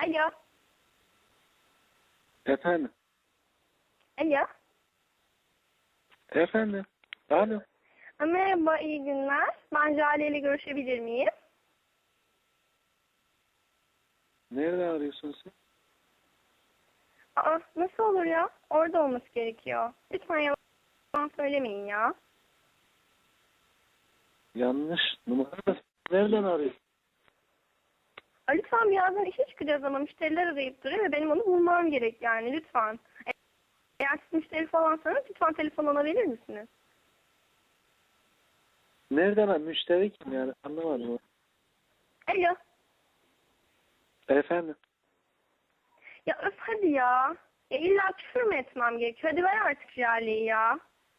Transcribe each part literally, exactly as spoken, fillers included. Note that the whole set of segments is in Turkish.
Alo. Efendim. Alo. Efendim. Alo. Merhaba, iyi günler. Ben Jale ile görüşebilir miyim? Nerede arıyorsun sen? Aa, nasıl olur ya? Orada olması gerekiyor. Lütfen yalan söylemeyin ya. Yanlış numara. Nereden arıyorsun? Aa, lütfen birazdan işe çıkacağız ama müşteriler arayıp duruyor ve benim onu bulmam gerek yani lütfen. Eğer siz müşteri falansanız lütfen telefon alabilir misiniz? Nereden ar- müşteri kim yani? Anlamadım. Alo. Efendim. Ya öf hadi ya. Ya illa küfür mü etmem gerekiyor? Hadi ver artık Jale'yi ya.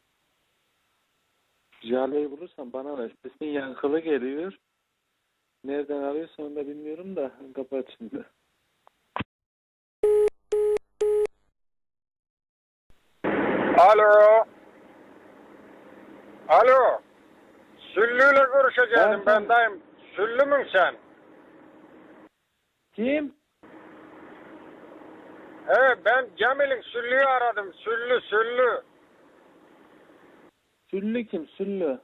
Jale'yi bulursan bana ver. Sesin yankılı geliyor. Nereden arıyorsan onu da bilmiyorum da. Kapat şimdi. Alo. Alo. Süllü'yle görüşeceğim Evet. ben dayım. Süllü mün sen? Kim? He ben Cemil'in Süllü'yü aradım. Süllü Süllü. Süllü kim? Süllü.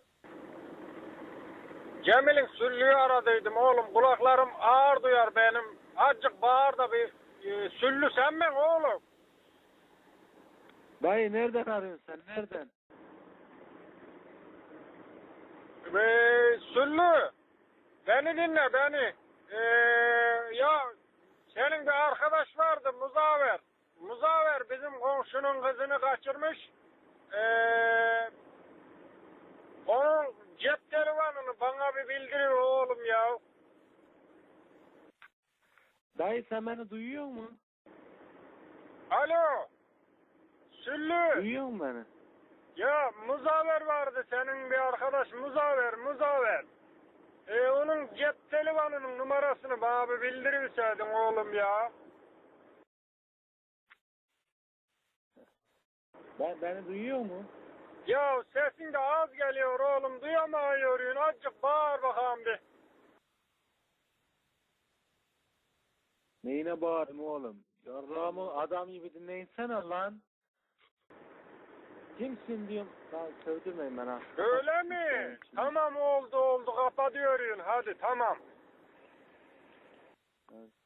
Cemil'in Süllü'yü aradıydım oğlum. Kulaklarım ağır duyar benim. Azıcık bağır da bir e, Süllü sen mi oğlum? Dayı nereden arıyorsun sen? Nereden? Ee, Süllü. Beni dinle beni. Ee, ya senin bir arkadaş vardı Muzaffer. Muzaffer bizim komşunun kızını kaçırmış. Ee, onun cep telefonunu bana bir bildiriyor oğlum ya. Dayı sen beni duyuyor musun? Alo. Süllü. Duyuyor musun beni? Ya Muzaffer vardı senin bir arkadaş Muzaffer Muzaffer. Ee, onun cep telefonunun numarasını bana bir bildirirseydin oğlum ya. Ben, beni duyuyor mu? Ya sesin de az geliyor oğlum duyamıyorum. Azıcık bağır bakalım bir. Neyine bağırayım oğlum? Yarrağımı adam gibi dinleyinsene lan. Kimsin diyorum. Lan sövdürmeyin bana. Öyle mi? Tamam oldu oldu kapatıyorum hadi tamam. Evet.